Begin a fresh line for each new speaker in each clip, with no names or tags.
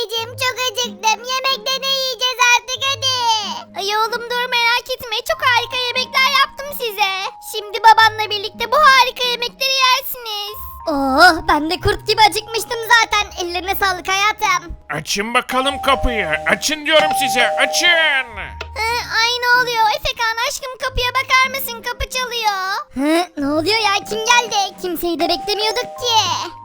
babacığım çok acıktım. Yemekte ne yiyeceğiz artık hadi. Ay oğlum dur merak etme. Çok harika yemekler yaptım size. Şimdi babanla birlikte bu harika yemekleri yersiniz. Oh ben de kurt gibi acıkmıştım zaten. Ellerine sağlık hayatım.
Açın bakalım kapıyı. Açın diyorum size. Açın.
Ay ne oluyor? Efekan aşkım kapıya bakar mısın? Kapı çalıyor. Ne oluyor ya? Kim geldi? Kimseyi de beklemiyorduk ki.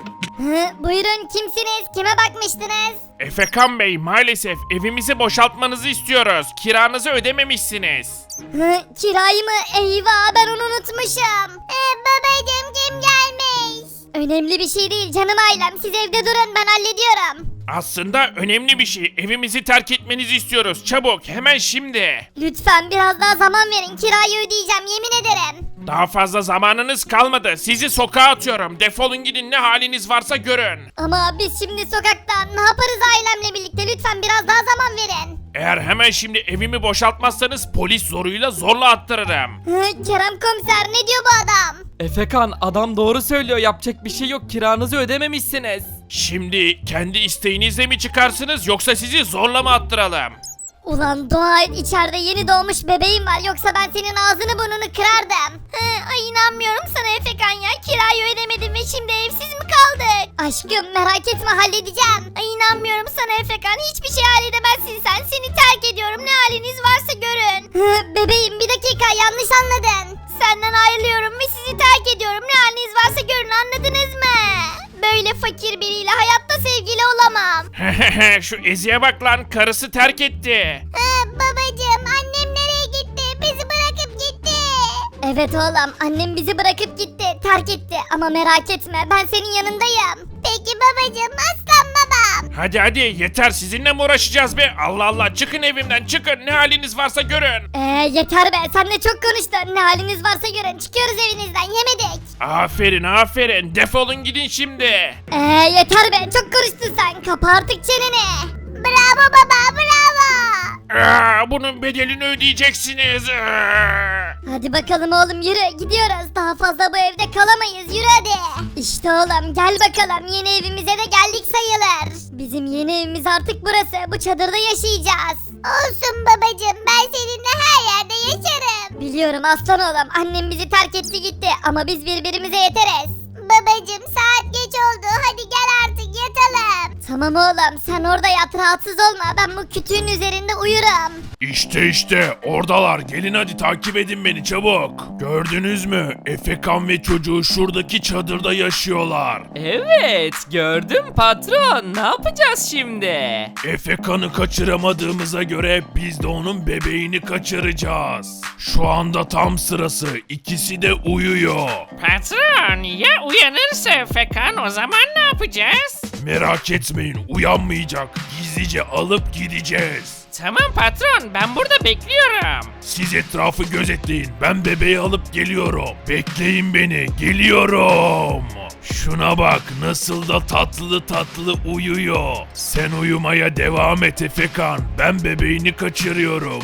Buyurun kimsiniz? Kime bakmıştınız?
Efekan Bey, maalesef evimizi boşaltmanızı istiyoruz. Kiranızı ödememişsiniz.
Kirayı mı? Eyvah ben onu unutmuşum. Babacığım kim gelmiş? Önemli bir şey değil canım ailem. Siz evde durun ben hallediyorum.
Aslında önemli bir şey. Evimizi terk etmenizi istiyoruz. Çabuk, hemen şimdi.
Lütfen biraz daha zaman verin. Kirayı ödeyeceğim yemin ederim.
Daha fazla zamanınız kalmadı. Sizi sokağa atıyorum. Defolun gidin, ne haliniz varsa görün.
Ama biz şimdi sokakta ne yaparız ailemle birlikte? Lütfen biraz daha zaman verin.
Eğer hemen şimdi evimi boşaltmazsanız polis zoruyla zorla attırırım.
Kerem komiser ne diyor bu adam?
Efekan adam doğru söylüyor, yapacak bir şey yok, kiranızı ödememişsiniz.
Şimdi kendi isteğinizle mi çıkarsınız yoksa sizi zorla mı attıralım?
Ulan dua et içeride yeni doğmuş bebeğim var yoksa ben senin ağzını burnunu kırardım. Ay inanmıyorum sana Efekan ya kirayı ödemedim ve şimdi evsiz mi kaldık? Aşkım merak etme halledeceğim. Ay inanmıyorum sana Efekan hiçbir şey halledemezsin sen seni terk ediyorum ne haliniz varsa görün. Bebeğim bir dakika yanlış anladın. Senden ayrılıyorum ve sizi terk ediyorum ne haliniz varsa görün anladınız mı? Böyle fakir biriyle hayatta sevgili olamam.
Şu Ezi'ye bak lan, karısı terk etti.
Babacığım annem nereye gitti? Bizi bırakıp gitti. Evet oğlum annem bizi bırakıp gitti. Terk etti ama merak etme ben senin yanındayım. Peki babacığım aslan babam.
Hadi hadi, yeter, sizinle mi uğraşacağız be? Allah Allah, çıkın evimden çıkın, ne haliniz varsa görün.
Yeter be sen de çok konuştun. Ne haliniz varsa görün çıkıyoruz evinizden yemedik.
Aferin aferin, defolun gidin şimdi.
Yeter be çok konuştun sen. Kapa artık çeneni. Bravo baba bravo.
Bunun bedelini ödeyeceksiniz.
Hadi bakalım oğlum yürü gidiyoruz. Daha fazla bu evde kalamayız yürü hadi. İşte oğlum gel bakalım yeni evimize de geldik sayılır. Bizim yeni evimiz artık burası. Bu çadırda yaşayacağız. Olsun babacığım ben seninle her yerde yaşarım. Biliyorum aslan oğlum annem bizi terk etti gitti ama biz birbirimize yeteriz. Babacığım saat geç oldu hadi gel artık yatalım. Tamam oğlum sen orada yat rahatsız olma ben bu kütüğün üzerinde uyurum.
İşte oradalar, gelin hadi takip edin beni çabuk. Gördünüz mü? Efekan ve çocuğu şuradaki çadırda yaşıyorlar.
Evet gördüm patron, ne yapacağız şimdi?
Efekan'ı kaçıramadığımıza göre biz de onun bebeğini kaçıracağız. Şu anda tam sırası, ikisi de uyuyor.
Patron ya uyanırsa Efekan o zaman ne yapacağız?
Merak etmeyin, uyanmayacak. Gizlice alıp gideceğiz.
Tamam patron ben burada bekliyorum.
Siz etrafı gözetleyin, ben bebeği alıp geliyorum. Bekleyin beni, geliyorum. Şuna bak, nasıl da tatlı tatlı uyuyor. Sen uyumaya devam et Efekan, ben bebeğini kaçırıyorum.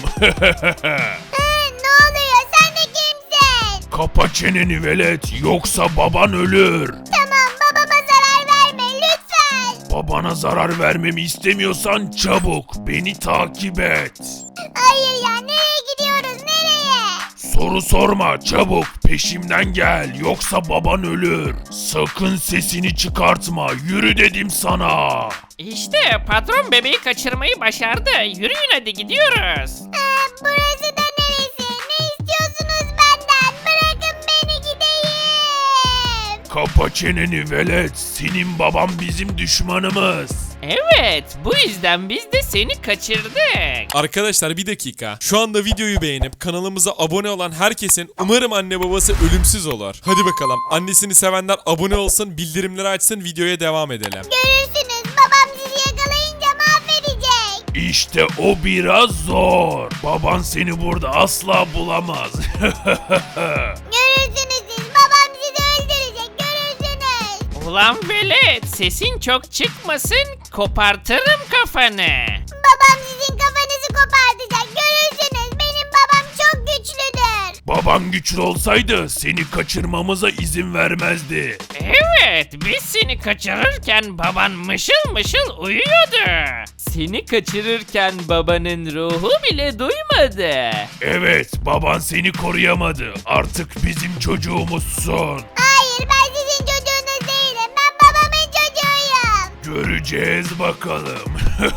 Ne oluyor sen de kimsin?
Kapa çeneni velet, yoksa baban ölür.
Tamam babama zarar verme lütfen.
Babana zarar vermemi istemiyorsan çabuk beni takip et.
Hayır ya nereye gidiyoruz nereye?
Soru sorma, çabuk peşimden gel, yoksa baban ölür. Sakın sesini çıkartma, yürü dedim sana.
İşte patron bebeği kaçırmayı başardı. Yürüyün hadi gidiyoruz.
Burası da neresi? Ne istiyorsunuz benden? Bırakın beni gideyim.
Kapa çeneni velet, senin babam bizim düşmanımız.
Evet bu yüzden biz de seni kaçırdık.
Arkadaşlar bir dakika. Şu anda videoyu beğenip kanalımıza abone olan herkesin umarım anne babası ölümsüz olur. Hadi bakalım. Annesini sevenler abone olsun, bildirimleri açsın, videoya devam edelim.
Görürsünüz babam sizi yakalayınca mahvedecek.
İşte o biraz zor. Baban seni burada asla bulamaz.
Görürsünüz siz babam sizi öldürecek görürsünüz.
Ulan velet sesin çok çıkmasın kopartırım kafanı.
Babam sizin kafanızı kopartacak görürsünüz. Benim babam çok güçlüdür.
Baban güçlü olsaydı seni kaçırmamıza izin vermezdi.
Evet biz seni kaçırırken baban mışıl mışıl uyuyordu. seni kaçırırken babanın ruhu bile duymadı.
Evet, baban seni koruyamadı. Artık bizim çocuğumuzsun.
Hayır, ben sizin çocuğunuz değilim. Ben babamın çocuğuyum.
Göreceğiz bakalım.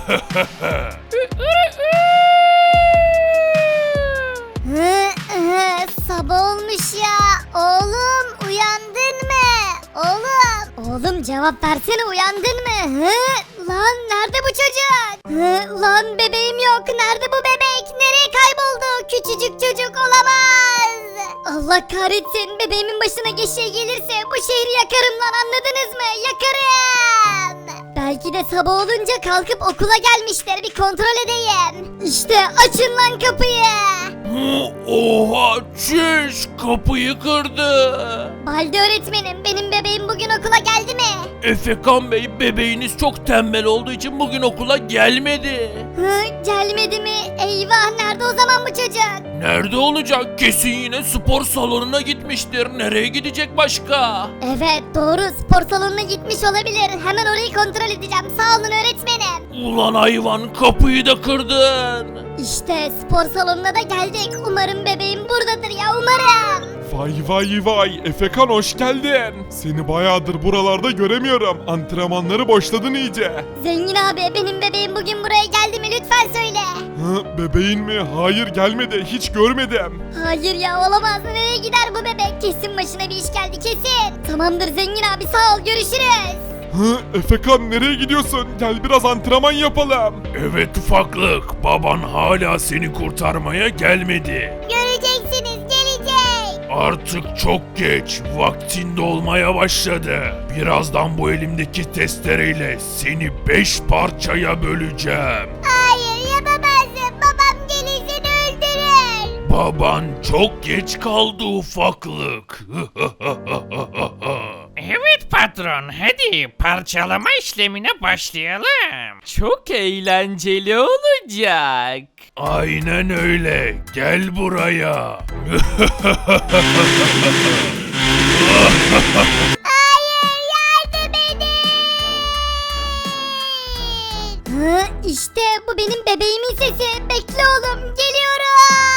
Sabah olmuş ya. Oğlum uyandın mı? Oğlum cevap versene, uyandın mı? Lan nerede bu çocuk? Lan bebeğim yok. Nerede bu bebek? Nereye kayboldu? Küçücük çocuk olamaz. Allah kahretsin. Bebeğimin başına bir şey gelirse bu şehri yakarım lan, anladınız mı? Yakarım. Belki de sabah olunca kalkıp okula gelmişler. Bir kontrol edeyim. İşte açın lan kapıyı.
Oha, çüş, kapıyı kırdı.
Balde öğretmenim, benim bebeğim bugün okula geldi mi?
Efekan Bey, bebeğiniz çok tembel olduğu için bugün okula gelmedi.
Gelmedi mi? Eyvah, nerede o zaman bu çocuk?
Nerede olacak? Kesin yine spor salonuna gitmiştir. Nereye gidecek başka?
Evet doğru, spor salonuna gitmiş olabilir. Hemen orayı kontrol edeceğim. Sağ olun öğretmenim.
Ulan hayvan, kapıyı da kırdın.
İşte spor salonuna da geldik. Umarım bebeğim buradadır ya, umarım.
Vay Efekan hoş geldin. Seni bayağıdır buralarda göremiyorum. Antrenmanları boşladın iyice.
Zengin abi, benim bebeğim bugün buraya geldi mi, lütfen söyle.
Bebeğin mi? Hayır gelmedi hiç görmedim.
Hayır ya, olamaz. Nereye gider bu bebek? Kesin başına bir iş geldi, kesin. Tamamdır zengin abi, sağ ol, görüşürüz.
Efekan nereye gidiyorsun? Gel biraz antrenman yapalım.
Evet ufaklık, baban hala seni kurtarmaya gelmedi.
Göreceksiniz, gelecek.
Artık çok geç, vaktin dolmaya başladı. Birazdan bu elimdeki testereyle seni 5 parçaya böleceğim.
Hayır yapamazsın, babam gelir seni öldürür.
Baban çok geç kaldı ufaklık.
Evet patron, hadi parçalama işlemine başlayalım.
Çok eğlenceli olacak.
Aynen öyle, gel buraya.
İşte bu benim bebeğimin sesi. Bekle oğlum, geliyorum.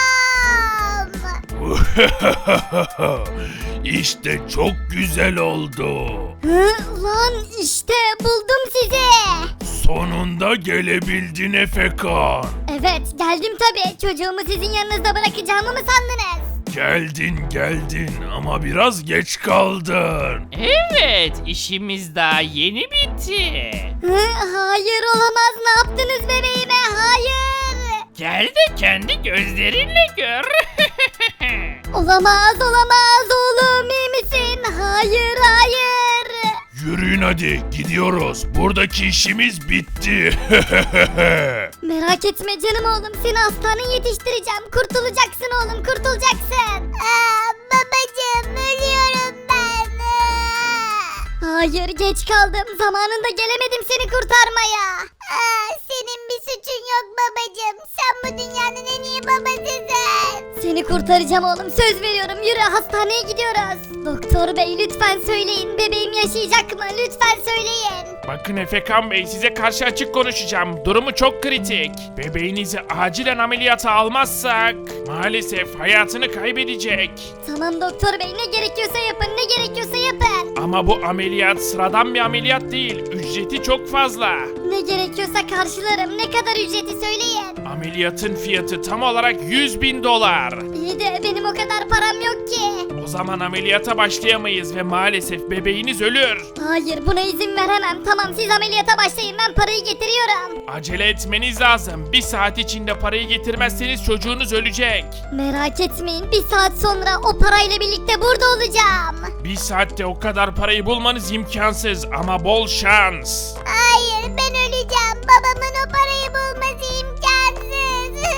İşte çok güzel oldu.
Lan işte buldum sizi.
Sonunda gelebildin Efekan.
Evet geldim tabii. Çocuğumu sizin yanınızda bırakacağımı mı sandınız?
Geldin ama biraz geç kaldın.
Evet, işimiz daha yeni bitti.
Hayır olamaz, ne yaptınız bebeğime? Hayır.
Gel de kendi gözlerinle gör.
Olamaz oğlum, iyi misin? Hayır.
Yürüyün hadi, gidiyoruz. Buradaki işimiz bitti.
Merak etme canım oğlum, seni hastaneye yetiştireceğim. Kurtulacaksın oğlum, kurtulacaksın. Babacığım, ölüyorum ben. Hayır, geç kaldım. Zamanında gelemedim seni kurtarmaya. Senin bir suçun yok babacığım. Sen bu dünyanın en iyi babasısın. Seni kurtaracağım oğlum, söz veriyorum. Yürü, hastaneye gidiyoruz. Doktor bey lütfen söyleyin, bebeğim yaşayacak mı? Lütfen söyleyin.
Bakın Efekan Bey, size karşı açık konuşacağım. Durumu çok kritik. Bebeğinizi acilen ameliyata almazsak maalesef hayatını kaybedecek.
Tamam doktor bey, ne gerekiyorsa yapın, ne gerekiyorsa yapın.
Ama bu ameliyat sıradan bir ameliyat değil. Ücreti çok fazla.
Ne gerekiyorsa karşılarım. Ne kadar ücreti söyleyin.
Ameliyatın fiyatı tam olarak 100.000 dolar.
İyi de benim o kadar param yok ki.
O zaman ameliyata başlayamayız ve maalesef bebeğiniz ölür.
Hayır, buna izin veremem. Tamam, siz ameliyata başlayın, ben parayı getiriyorum.
Acele etmeniz lazım. Bir saat içinde parayı getirmezseniz çocuğunuz ölecek.
Merak etmeyin, bir saat sonra o parayla birlikte burada olacağım.
Bir saatte o kadar parayı bulmanız imkansız ama bol şans.
Hayır, ben öleceğim. Babamın o parayı bulması imkansız.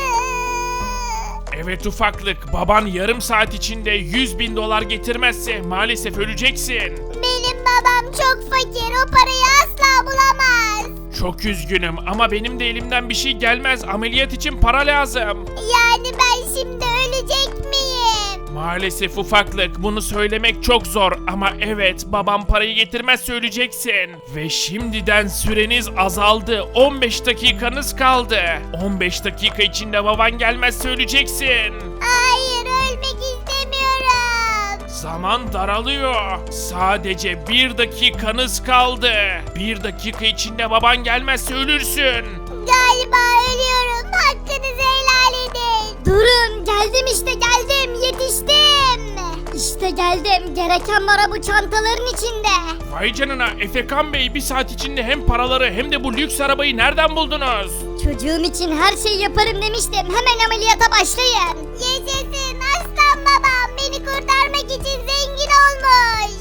Evet ufaklık, baban yarım saat içinde 100.000 dolar getirmezse maalesef öleceksin.
Benim babam çok fakir, o parayı asla bulamaz.
Çok üzgünüm ama benim de elimden bir şey gelmez. Ameliyat için para lazım.
Yani ben şimdi ölecek miyim?
Maalesef ufaklık, bunu söylemek çok zor ama evet, babam parayı getirmezse öleceksin. Ve şimdiden süreniz azaldı. 15 dakikanız kaldı. 15 dakika içinde baban gelmezse öleceksin.
Hayır, ölmek istemiyorum.
Zaman daralıyor. Sadece 1 dakikanız kaldı. 1 dakika içinde baban gelmezse ölürsün.
Galiba ölüyorum. Hakkınızı helal edin. Durun, geldim işte, geldim. Yetiştim. İşte geldim. Gereken para bu çantaların içinde.
Vay canına, Efekan Bey, 1 saat içinde hem paraları hem de bu lüks arabayı nereden buldunuz?
Çocuğum için her şeyi yaparım demiştim. Hemen ameliyata başlayın. Yaşasın, aslan babam beni kurtarmak için zengin olmuş.